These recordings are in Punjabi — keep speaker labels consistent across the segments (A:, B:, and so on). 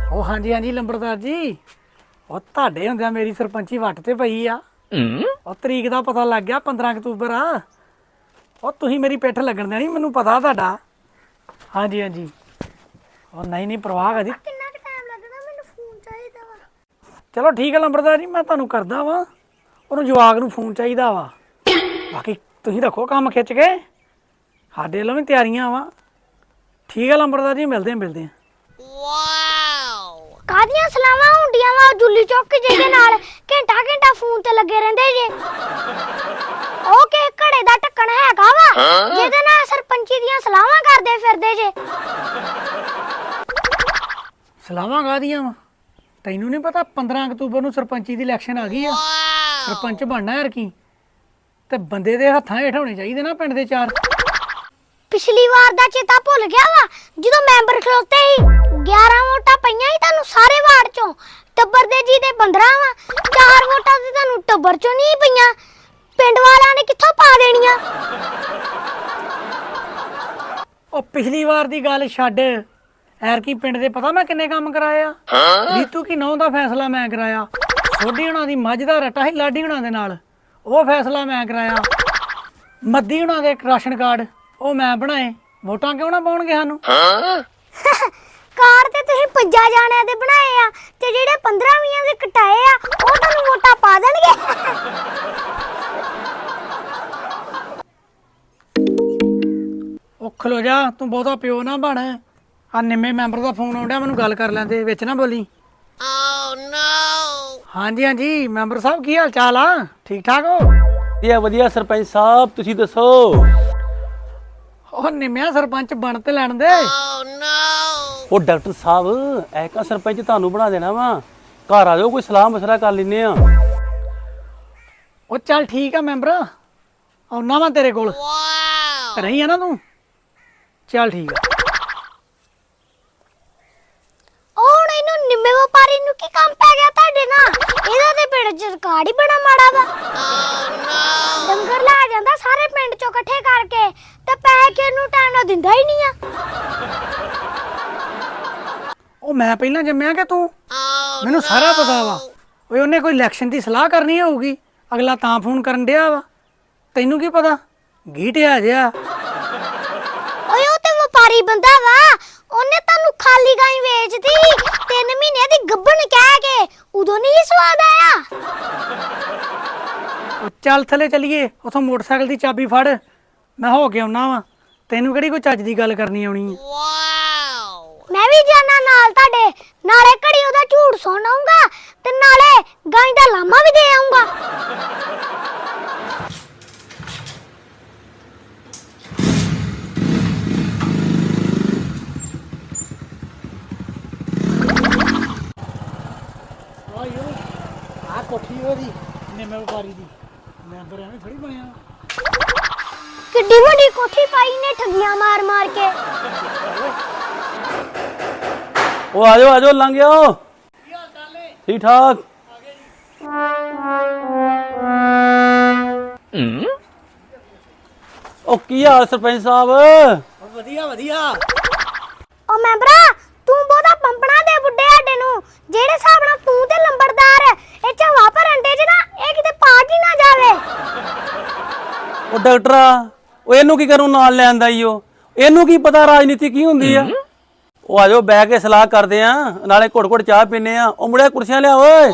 A: ਉਹ ਹਾਂਜੀ ਹਾਂਜੀ ਲੰਬੜਦਾਰ ਜੀ, ਉਹ ਤੁਹਾਡੇ ਹੁੰਦਿਆਂ ਮੇਰੀ ਸਰਪੰਚੀ ਵੱਟ ਤੇ ਪਈ ਆ। ਉਹ ਤਰੀਕ ਦਾ ਪਤਾ ਲੱਗ ਗਿਆ 15 ਅਕਤੂਬਰ ਆ। ਉਹ ਤੁਸੀਂ ਮੇਰੀ ਪਿੱਠ ਲੱਗਣ ਦੇਣੀ, ਮੈਨੂੰ ਪਤਾ ਤੁਹਾਡਾ। ਹਾਂਜੀ ਹਾਂਜੀ, ਉਹ ਨਹੀਂ ਨਹੀਂ ਪਰਵਾਹ ਕਰੀ।
B: ਕਿੰਨਾ ਕੁ ਟਾਈਮ ਲੱਗਣਾ? ਮੈਨੂੰ ਫੋਨ ਚਾਹੀਦਾ ਵਾ।
A: ਚਲੋ ਠੀਕ ਹੈ ਲੰਬੜਦਾਰ ਜੀ, ਮੈਂ ਤੁਹਾਨੂੰ ਕਰਦਾ ਵਾਂ। ਉਹਨੂੰ ਜਵਾਕ ਨੂੰ ਫੋਨ ਚਾਹੀਦਾ ਵਾ। ਬਾਕੀ ਤੁਸੀਂ ਰੱਖੋ ਕੰਮ ਖਿੱਚ ਕੇ, ਸਾਡੇ ਵੱਲੋਂ ਵੀ ਤਿਆਰੀਆਂ ਵਾ। ਠੀਕ ਹੈ ਲੰਬੜਦਾਰ ਜੀ, ਮਿਲਦੇ ਹਾਂ।
B: ਵਾਓ, ਕਾਹਦੀਆਂ ਸਲਾਵਾਂ ਹੁੰਦੀਆਂ ਵਾ ਜੁੱਲੀ ਚੌਕ ਜਿਹਦੇ ਨਾਲ ਘੰਟਾ ਫੋਨ ਤੇ ਲੱਗੇ ਰਹਿੰਦੇ ਜੇ। ਉਹ ਕਿ ਘੜੇ ਦਾ ਢੱਕਣ ਹੈਗਾ ਵਾ ਜਿਹਦੇ ਨਾਲ ਸਰਪੰਚੀ ਦੀਆਂ ਸਲਾਵਾਂ ਕਰਦੇ ਫਿਰਦੇ ਜੇ।
A: ਸਲਾਵਾਂ ਕਾਹਦੀਆਂ ਵਾ? ਤੈਨੂੰ ਨਹੀਂ ਪਤਾ 15 ਅਕਤੂਬਰ ਨੂੰ ਸਰਪੰਚੀ ਦੀ ਇਲੈਕਸ਼ਨ ਆ ਗਈ ਆ। ਸਰਪੰਚ ਬਣਨਾ ਯਾਰ ਕੀ, ਤੇ ਬੰਦੇ ਦੇ ਹੱਥਾਂ ਹੇਠ ਹੋਣੇ ਚਾਹੀਦੇ ਨਾ ਪਿੰਡ ਦੇ ਚਾਰ।
B: ਪਿਛਲੀ ਵਾਰ ਦਾ ਚੇਤਾ ਭੁੱਲ ਗਿਆ ਵਾ ਜਦੋਂ ਮੈਂਬਰ ਖਲੋਤੇ ਸੀ। 11 ਵੋਟਾਂ ਪਈਆਂ ਸੀ ਤੁਹਾਨੂੰ ਸਾਰੇ ਵਾਰਡ ਚੋਂ। ਟੱਬਰ ਦੇ ਜੀ ਦੇ 15 ਵਾ, 4 ਵੋਟਾਂ ਤੇ ਤੁਹਾਨੂੰ ਟੱਬਰ ਚੋਂ ਨਹੀਂ ਪਈਆਂ। ਪਿੰਡ ਵਾਲਿਆਂ ਨੇ ਕਿੱਥੋਂ ਪਾ ਦੇਣੀਆਂ?
A: ਉਹ ਪਿਛਲੀ ਵਾਰ ਦੀ ਗੱਲ ਛੱਡ, ਐਰ ਕੀ ਪਿੰਡ ਦੇ ਪਤਾ ਮੈਂ ਕਿੰਨੇ ਕੰਮ ਕਰਾਏ ਆ। ਰੀਤੂ ਕੀ ਨਹੁੰ ਦਾ ਫੈਸਲਾ ਮੈਂ ਕਰਾਇਆ। ਸੋਢੀ ਹੁਣਾਂ ਦੀ ਮੱਝ ਦਾ ਰੱਟਾ ਸੀ ਲਾਡੀ ਹੁਣਾਂ ਦੇ ਨਾਲ, ਉਹ ਫੈਸਲਾ ਮੈਂ ਕਰਾਇਆ। ਮੱਦੀ ਹੁਣਾਂ ਦੇ ਰਾਸ਼ਨ ਕਾਰਡ ਉਹ ਮੈਂ ਬਣਾਏ। ਵੋਟਾਂ ਕਿਉਂ ਨਾ ਪਾਉਣਗੇ ਸਾਨੂੰ?
B: ਕਾਰ ਤੇ ਤੁਸੀਂ 5 ਜਾਣਿਆਂ ਦੇ ਬਣਾਏ ਆ ਤੇ ਜਿਹੜੇ 15-20 ਦੇ ਕਟਾਏ ਆ ਉਹ ਤੁਹਾਨੂੰ ਵੋਟਾਂ ਪਾ ਦੇਣਗੇ।
A: ਉਹ ਖਲੋ ਜਾ, ਤੂੰ ਬਹੁਤਾ ਪਿਓ ਨਾ ਬਣ। ਆ ਨਿੰਮੇ ਮੈਂਬਰ ਦਾ ਫੋਨ ਆਉਂਦਾ, ਮੈਨੂੰ ਗੱਲ ਕਰ ਲੈਂਦੇ, ਵਿੱਚ ਨਾ ਬੋਲੀ। ਹਾਂਜੀ ਹਾਂਜੀ ਮੈਂਬਰ ਸਾਹਿਬ, ਕੀ ਹਾਲ ਚਾਲ ਆ? ਠੀਕ ਠਾਕ ਹੋ?
C: ਵਧੀਆ ਸਰਪੰਚ ਸਾਹਿਬ, ਤੁਸੀਂ ਦੱਸੋ?
A: ਉਹ ਨਿੰਮਿਆ ਸਰਪੰਚ ਬਣ ਤੇ ਲੈਣ ਦੇ।
C: ਉਹ ਡਾਕਟਰ ਸਾਹਿਬ, ਐਕਾ ਸਰਪੰਚ ਤੁਹਾਨੂੰ ਬਣਾ ਦੇਣਾ ਵਾ। ਘਰ ਆ ਜਾਓ, ਕੋਈ ਸਲਾਹ ਮਸ਼ਵਰਾ ਕਰ ਲੈਨੇ ਆ।
A: ਉਹ ਚੱਲ ਠੀਕ ਆ ਮੈਂਬਰ, ਆਉਣਾ ਵਾ ਤੇਰੇ ਕੋਲ। ਰਹੀ ਆ ਨਾ ਤੂੰ? ਚੱਲ ਠੀਕ ਆ।
B: ਹੁਣ ਇਹਨੂੰ ਨਿੰਮੇ ਵਪਾਰੀ ਨੂੰ ਕੀ ਕੰਮ ਪੈ ਗਿਆ ਤੁਹਾਡੇ ਨਾਲ? ਇਹਦਾ ਤੇ ਪਿੰਡ ਚ ਰਿਕਾਰਡ ਹੀ ਬੜਾ ਮਾੜਾ ਵਾ। ਡੰਗਰ ਲੈ ਜਾਂਦਾ ਸਾਰੇ ਪਿੰਡ ਚੋਂ ਇਕੱਠੇ ਕਰਕੇ ਤੇ ਪੈਸੇ ਕਿਹਨੂੰ ਟਾਈਮ ਨਾਲ ਦਿੰਦਾ ਹੀ ਨਹੀਂ ਆ।
A: ਉਹ ਮੈਂ ਪਹਿਲਾਂ ਜੰਮਿਆ ਕਿ ਤੂੰ? ਮੈਨੂੰ ਸਾਰਾ ਪਤਾ ਵਾ। ਓਏ ਉਹਨੇ ਕੋਈ ਇਲੈਕਸ਼ਨ ਦੀ ਸਲਾਹ ਕਰਨੀ ਹੋਊਗੀ, ਅਗਲਾ ਤਾਂ ਫੋਨ ਕਰਨ ਡਿਆ ਵਾ। ਤੈਨੂੰ ਕੀ ਪਤਾ? ਗੀਟਿਆ ਜਿਹਾ।
B: ਓਏ ਉਹ ਤੇ ਵਪਾਰੀ ਬੰਦਾ ਵਾ, ਉਹਨੇ ਤੁਹਾਨੂੰ ਖਾਲੀ ਗਾਂ ਵੇਚਦੀ 3 ਮਹੀਨੇ ਦੀ ਗੱਭਣ ਕਹਿ ਕੇ। ਉਦੋਂ ਨਹੀਂ ਸਵਾਦ ਆਇਆ।
A: ਉਹ ਚੱਲ ਥੱਲੇ ਚੱਲੀਏ, ਉਥੋਂ ਮੋਟਰਸਾਈਕਲ ਦੀ ਚਾਬੀ ਫੜ, ਮੈਂ ਹੋ ਕੇ ਆਉਣਾ ਵਾ। ਤੈਨੂੰ ਕਿਹੜੀ ਕੋਈ ਚੱਜ ਦੀ ਗੱਲ ਕਰਨੀ ਆਉਣੀ ਆ?
B: ਮੈਂ ਵੀ ਜਾਣਾ ਨਾਲ ਤੁਹਾਡੇ, ਨਾਲੇ ਘੜੀ ਉਹਦਾ ਝੂਠ ਸੁਣ ਆਊਂਗਾ ਤੇ ਨਾਲੇ ਗਾਂ ਦਾ ਲਾਮਾ ਵੀ ਦੇ ਆਊਂਗਾ।
A: ਆ ਕੋਠੀ ਉਹਦੀ ਨਿੰਮੇ ਵਪਾਰੀ ਦੀ, ਮੈਂਬਰ ਐਵੇਂ ਥੋੜੀ ਬਣਿਆ।
B: ਕਿੱਡੀ ਵੱਡੀ ਕੋਠੀ ਪਾਈ ਨੇ ਠੱਗੀਆਂ ਮਾਰ ਮਾਰ ਕੇ।
C: ਉਹ ਆ ਜਾਓ ਲੰਘ ਜਾਓ। ਠੀਕ ਠਾਕ। ਉਹ ਕੀ ਹਾਲ ਸਰਪੰਚ ਸਾਹਿਬ?
A: ਵਧੀਆ ਵਧੀਆ।
B: ਉਹ ਮੈਂਬਰਾ, ਤੂੰ ਬਹੁਤਾ ਪੰਪਣਾ ਦੇ ਬੁੱਢੇ ਸਾਡੇ ਨੂੰ। ਜਿਹੜੇ ਹਿਸਾਬ ਨਾਲ ਤੂੰ ਤੇ ਲੰਬੜਦਾਰ ਇਹ ਚ ਹਵਾ ਭਰਨ ਦੇ ਨਾ, ਇਹ ਕਿਤੇ ਪਾਟ ਹੀ ਨਾ ਜਾਵੇ।
C: ਉਹ ਡਾਕਟਰਾ, ਉਹ ਇਹਨੂੰ ਕੀ ਕਰੂੰ ਨਾਲ ਲੈਂਦਾ ਈ? ਉਹ ਇਹਨੂੰ ਕੀ ਪਤਾ ਰਾਜਨੀਤੀ ਕੀ ਹੁੰਦੀ ਆ? ਉਹ ਆ ਜਾਓ, ਬਹਿ ਕੇ ਸਲਾਹ ਕਰਦੇ ਆ, ਨਾਲੇ ਘੁੱਟ ਘੁੱਟ ਚਾਹ ਪੀਨੇ ਆ। ਉਹ ਮੁੰਡਿਆ ਕੁਰਸੀਆਂ ਲਿਆ ਓਏ।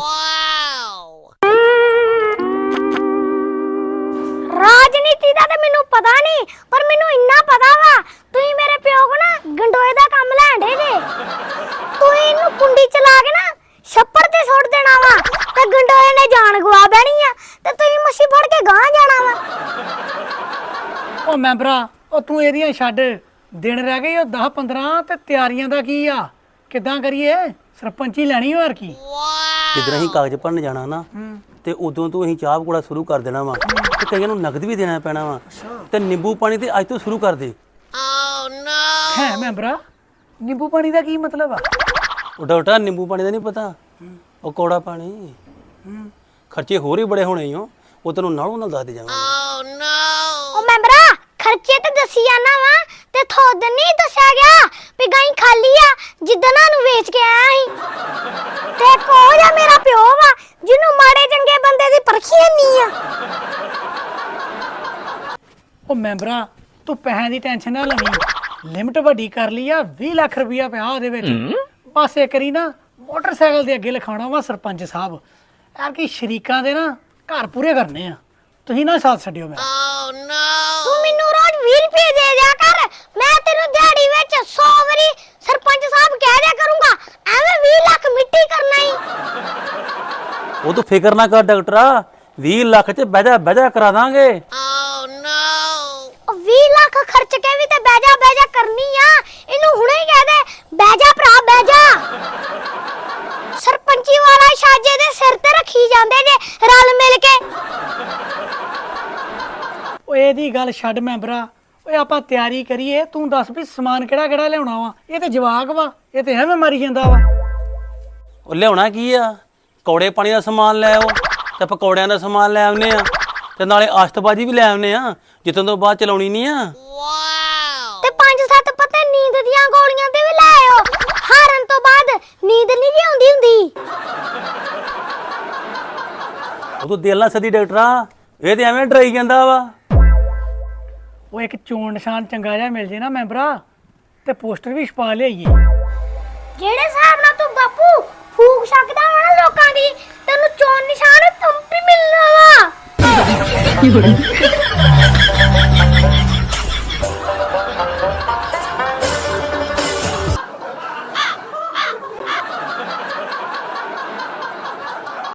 B: ਰਾਜਨੀਤੀ ਦਾ ਤੇ ਮੈਨੂੰ ਪਤਾ ਨਹੀਂ, ਪਰ ਮੈਨੂੰ ਇੰਨਾ ਪਤਾ ਵਾ ਤੁਸੀਂ ਮੇਰੇ ਪਿਓ ਕੋ ਨਾ ਗੰਡੋਏ ਦਾ ਕੰਮ ਲੈਂਦੇ ਜੇ। ਤੁਸੀਂ ਇਹਨੂੰ ਕੁੰਡੀ ਚਲਾ ਕੇ ਨਾ ਛੱਪੜ ਤੇ ਸੁੱਟ ਦੇਣਾ ਵਾ ਤੇ ਗੰਡੋਏ ਨੇ ਜਾਨ ਗਵਾ ਬੈਣੀ ਆ ਤੇ ਤੁਸੀਂ ਮੱਛੀ ਫੜ ਕੇ ਗਾਂ ਜਾਣਾ ਵਾ।
A: ਉਹ ਮੈਂਬਰਾ, ਉਹ ਤੂੰ ਇਹਦੀਆਂ ਛੱਡ। ਦਿਨ ਰਹਿ ਗਏ ਉਹ 10-15 ਤੇ ਤਿਆਰੀਆਂ ਦਾ ਕੀ ਆ? ਕਿੱਦਾਂ ਕਰੀਏ? ਸਰਪੰਚੀ ਲੈਣੀ ਹੋਰ ਕੀ?
C: ਜਿੱਦਾਂ ਅਸੀਂ ਕਾਗਜ਼ ਭਰਨ ਜਾਣਾ ਨਾ, ਤੇ ਉਦੋਂ ਤੋਂ ਅਸੀਂ ਚਾਹ ਪਕੌੜਾ ਸ਼ੁਰੂ ਕਰ ਦੇਣਾ ਵਾ। ਤੇ ਕਈਆਂ ਨੂੰ ਨਗਦ ਵੀ ਦੇਣਾ ਪੈਣਾ ਵਾ। ਤੇ ਨਿੰਬੂ ਪਾਣੀ ਤੇ ਅੱਜ ਤੋਂ ਸ਼ੁਰੂ ਕਰ ਦੇ।
A: ਹੈ ਮੈਂਬਰਾ, ਨਿੰਬੂ ਪਾਣੀ ਦਾ ਕੀ ਮਤਲਬ ਆ?
C: ਉਹ ਡਾਕਟਰ, ਨਿੰਬੂ ਪਾਣੀ ਦਾ ਨਹੀਂ ਪਤਾ? ਉਹ ਕੌੜਾ ਪਾਣੀ। ਖਰਚੇ ਹੋਰ ਹੀ ਬੜੇ ਹੋਣੇ ਓ, ਉਹ ਤੈਨੂੰ ਨਾਲੋਂ ਨਾਲ ਦੱਸ ਦੇ ਜਾਵਾਂਗੇ।
B: ਉਹ ਮੈਂਬਰਾ, ਖਰਚੇ ਤੇ ਦੱਸੀ ਜਾਣਾ ਵਾ ਤੇ ਥੋਦ ਨਹੀਂ ਦੱਸਿਆ ਗਿਆ ਵੀ ਗਾਂ ਖਾਲੀ ਆ ਜਿੱਦਾਂ ਨੂੰ ਵੇਚ ਕੇ ਆਇਆ ਸੀ। ਤੇ ਕੋ ਜਾਂ ਮੇਰਾ ਪਿਓ ਵਾ ਜਿਹਨੂੰ ਮਾੜੇ ਚੰਗੇ ਬੰਦੇ ਦੀ ਪਰਖੀ ਨਹੀਂ ਆ।
A: ਉਹ ਮੈਂਬਰਾ ਤੂੰ ਪੈਸਿਆਂ ਦੀ ਟੈਨਸ਼ਨ ਨਾ ਲਵੀਂ, ਲਿਮਟ ਵੱਡੀ ਕਰ ਲਈ ਆ 20 ਲੱਖ ਰੁਪਇਆ ਪਿਆ ਉਹਦੇ ਵਿੱਚ। ਬਸ ਇੱਕ ਵਾਰੀ ਨਾ ਮੋਟਰਸਾਈਕਲ ਦੇ ਅੱਗੇ ਲਿਖਾਉਣਾ ਵਾ ਸਰਪੰਚ ਸਾਹਿਬ ਯਾਰ ਕਿ ਸ਼ਰੀਕਾਂ ਦੇ ਨਾ ਘਰ ਪੂਰੇ ਕਰਨੇ ਆ, ਤੁਸੀਂ ਨਾ ਸਾਥ ਛੱਡਿਓ ਮੇਰਾ।
B: ਤੂੰ ਮੈਨੂੰ ਰੋਜ਼ 20 ਰੁਪਏ ਦੇ ਦਿਆ ਕਰ, ਮੈਂ ਤੈਨੂੰ ਦਿਹਾੜੀ ਵਿੱਚ 100 ਵਾਰੀ ਸਰਪੰਚ ਸਾਹਿਬ ਕਹਿ ਦਿਆ ਕਰੂੰਗਾ, ਐਵੇਂ 20 ਲੱਖ ਮਿੱਟੀ ਕਰਨਾ ਹੀ।
C: ਉਹ ਤੂੰ ਫਿਕਰ ਨਾ ਕਰ ਡਾਕਟਰਾ, 20 ਲੱਖ ਚ ਬਹਿ ਜਾ ਕਰਾ ਦਾਂਗੇ।
B: ਉਹ 20 ਲੱਖ ਖਰਚ ਕੇ ਵੀ ਤੇ ਬਹਿ ਜਾ ਕਰਨੀ ਆ, ਇਹਨੂੰ ਹੁਣੇ ਹੀ ਕਹਿ ਦੇ ਬਹਿ ਜਾ ਭਰਾ ਬਹਿ ਜਾ। ਸਰਪੰਚੀ ਵਾਲਾ ਸ਼ਾਜੇ ਦੇ ਸਿਰ ਤੇ ਰੱਖੀ ਜਾਂਦੇ ਜੇ ਰਲ ਮਿਲ ਕੇ।
A: ਓਏ ਇਹਦੀ ਗੱਲ ਛੱਡ ਮੈਂਬਰਾ, ਓਏ ਆਪਾਂ ਤਿਆਰੀ ਕਰੀਏ, ਤੂੰ ਦੱਸ ਵੀ ਸਮਾਨ ਕਿਹੜਾ ਕਿਹੜਾ ਲਿਆਉਣਾ ਵਾ। ਇਹ ਤੇ ਜਵਾਕ ਵਾ, ਇਹ ਤੇ ਐਵੇਂ ਮਾਰੀ ਜਾਂਦਾ ਵਾ।
C: ਉਹ ਲਿਆਉਣਾ ਕੀ ਆ, ਕੌੜੇ ਪਾਣੀ ਦਾ ਸਮਾਨ ਲੈ ਆਓ ਤੇ ਪਕੌੜਿਆਂ ਦਾ ਸਮਾਨ ਲੈ ਆਉਨੇ ਆ ਤੇ ਨਾਲੇ ਆਸ਼ਤਬਾਜੀ ਵੀ ਲੈ ਆਉਨੇ ਆ, ਜਿੱਤੋਂ ਤੋਂ ਬਾਅਦ ਚਲਾਉਣੀ ਨਹੀਂ ਆ।
B: ਤੇ 5-7 ਪੱਤੇ ਨੀਂਦ ਦੀਆਂ ਗੋਲੀਆਂ ਤੇ ਵੀ ਲੈ ਆਓ, ਹਾਰਨ ਤੋਂ ਬਾਅਦ ਨੀਂਦ ਨਹੀਂ ਜੀ ਆਉਂਦੀ ਹੁੰਦੀ।
C: ਉਹ ਤੂੰ ਦਿਲ ਨਾਲ ਸਦੀ ਡਾਕਟਰਾ, ਇਹ ਤੇ ਐਵੇਂ ਡਰਾਈ ਜਾਂਦਾ ਵਾ।
A: ਉਹ ਇੱਕ ਚੋਣ ਨਿਸ਼ਾਨ ਚੰਗਾ ਜਿਹਾ ਮਿਲ ਜੇ ਨਾ ਮੈਂਬਰਾ ਤੇ ਪੋਸਟਰ ਵੀ ਛਪਾ ਲਿਆਈਏ।
B: ਜਿਹੜੇ ਹਿਸਾਬ ਨਾਲ ਤੂੰ ਬਾਪੂ ਫੂਕ ਸਕਦਾ ਵਾ ਨਾ ਲੋਕਾਂ ਦੀ, ਤੈਨੂੰ ਚੋਣ ਨਿਸ਼ਾਨ ਤੁੰਪੀ ਮਿਲਣਾ ਵਾ।